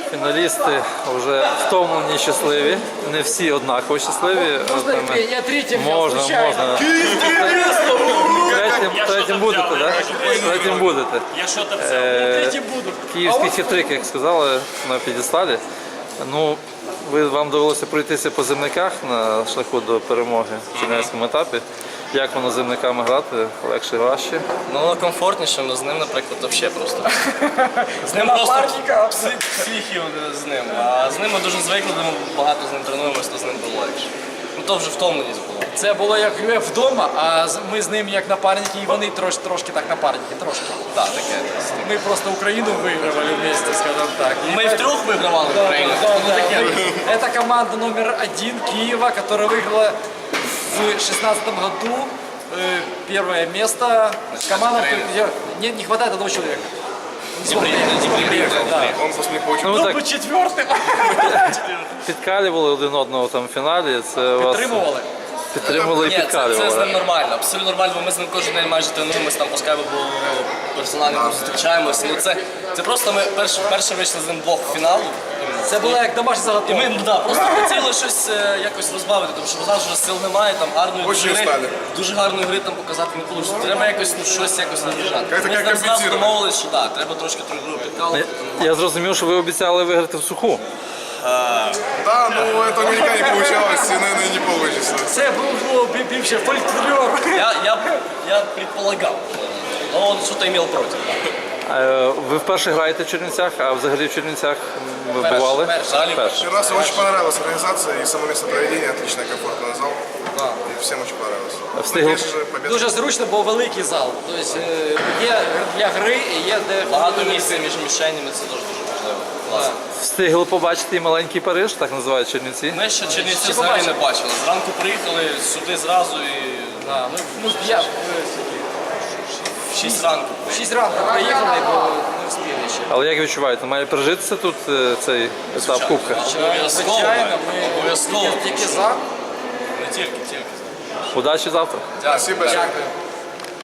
Фіналісти вже втомлені і щасливі. Не всі однаково щасливі. Я третім Можна. Третім будете, так? Третім будете. Я що там Третім буду. Київський хитрик, як сказали, на п'єдесталі. Ну, вам довелося пройтися по земниках на шляху до перемоги в чернівецькому етапі. Як воно з земниками грати? Легше, важче? Ну, воно комфортніше, але з ним, наприклад, взагалі просто. З ним просто психів з ним. А з ним ми дуже звикли, ми багато з ним тренуємося, то з ним було легше. Ну то вже втомленість була. Це було як вдома, а ми з ним як напарники, і вони трошки так напарники, трошки. Так, таке. Ми просто Україну вигравали вместе, скажем так. Ми втрьох вигравали в Україні. Это команда номер 1 Киева, которая выиграла в 2016 году первое место. Команда, где не хватает одного человека. Он после них получил. Ну, ви так Четвертым. підкалювали один одного там в фіналі. Це вас підтримували і Ні, це з підкалювали. ним нормально, абсолютно нормально, бо ми з ним кожен день майже тренуємося, там по скайпу персонально зустрічаємося. Ну, це просто ми перше вийшли з ним двох в фінал. Це було як домашня І заготовка. ми просто хотіли щось якось розбавити, тому що знали, що сил немає, там гарної Очень гри, устали. дуже гарної гри там показати не вийде. Треба якось щось наближати. Як-то Ми з ним зразу компенсувати. домовились, що так, треба трошки гру підкалувати. Я зрозумів, що ви обіцяли виграти в суху. Да, ну это у меня не получалось, и, наверное, не получится. Це був бивший фольклор. Я предполагав, но он что-то имел против. Ви вперше граєте в Чернівцях, а взагалі в Чернівцях ви бували? Взагалі Перше. Раз очень понравилась организация и само место проведения, отличный, комфортный зал. И всем очень понравилось. Встигли, Конечно же, победа. Дуже зручно, бо великий зал. Тобто є для гри і є де Багато місця між мішенями, це дуже важливо. Класно. встигли побачити і маленький Париж, так називають Чернівці. Ми ще Чернівці взагалі не бачили. Зранку приїхали сюди зразу і Я в 6 ранку. в 6 ранку приїхали, бо не встигли ще. Але як відчуваєте, має пережитися тут цей етап Кубка? Обов'язково. Звичайно, Обов'язково. тільки за. Не тільки. Удачі завтра! Спасибо. Дякую.